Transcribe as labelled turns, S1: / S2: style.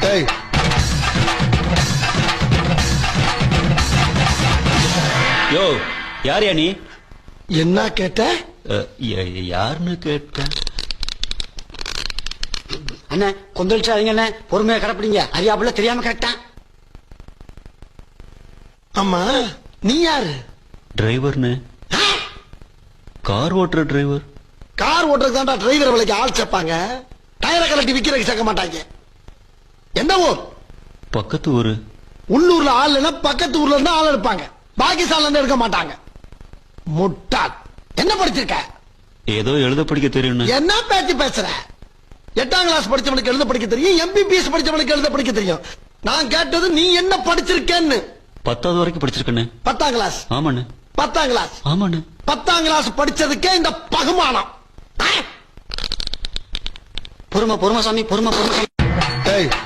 S1: ஏய்
S2: யோ யார் யா நீ?
S1: என்ன கேட்ட?
S2: யாருன்னு கேட்ட?
S3: அண்ணே கொந்தளிச்சாதீங்க அண்ணே, பொறுமையா கடப்பிடிங்க. அறியாப்புல தெரியாம கேட்டான்.
S1: ஆமா நீ யாரு?
S2: டிரைவர்னு. கார் ஓட்டுற டிரைவர்.
S1: கார் ஓட்டுறதுக்கு தான்டா டிரைவர் விலைக்கு ஆள் சேர்ப்பாங்க. டயரை கலட்டி விக்கிறதுக்கு சேர்க்க மாட்டாங்க. எந்த ஊர்?
S2: பக்கத்து ஊரு.
S1: உள்ளூர்ல ஆள் இல்லைன்னா பக்கத்து ஊர்ல இருந்து ஆள் எடுப்பாங்க. பாகிஸ்தான்ல இருந்து எடுக்க மாட்டாங்க. முட்டாள். என்ன படிச்சிருக்க?
S2: ஏதோ எழுத படிக்க தெரியும்.
S1: என்ன பேச்சு பேசுற? 8ஆம் கிளாஸ் படிச்சவனுக்கு எழுத படிக்க தெரியும், MBBS படிச்சவனுக்கு எழுத படிக்க தெரியும். நான் கேட்டது நீ என்ன படிச்சிருக்கேன்னு.
S2: 10வது வரைக்கும் படிச்சிருக்கேன்னு.
S1: 10ஆம் கிளாஸ்?
S2: ஆமாண்ணு.
S1: 10ஆம் கிளாஸ்?
S2: ஆமாண்ணு.
S1: 10ஆம் கிளாஸ் படிச்சதுக்கே இந்த பகுமானம்.
S3: பொறுமை பொறுமை சாமி, பொறுமை பொறுமை சாமி.
S1: ஏய்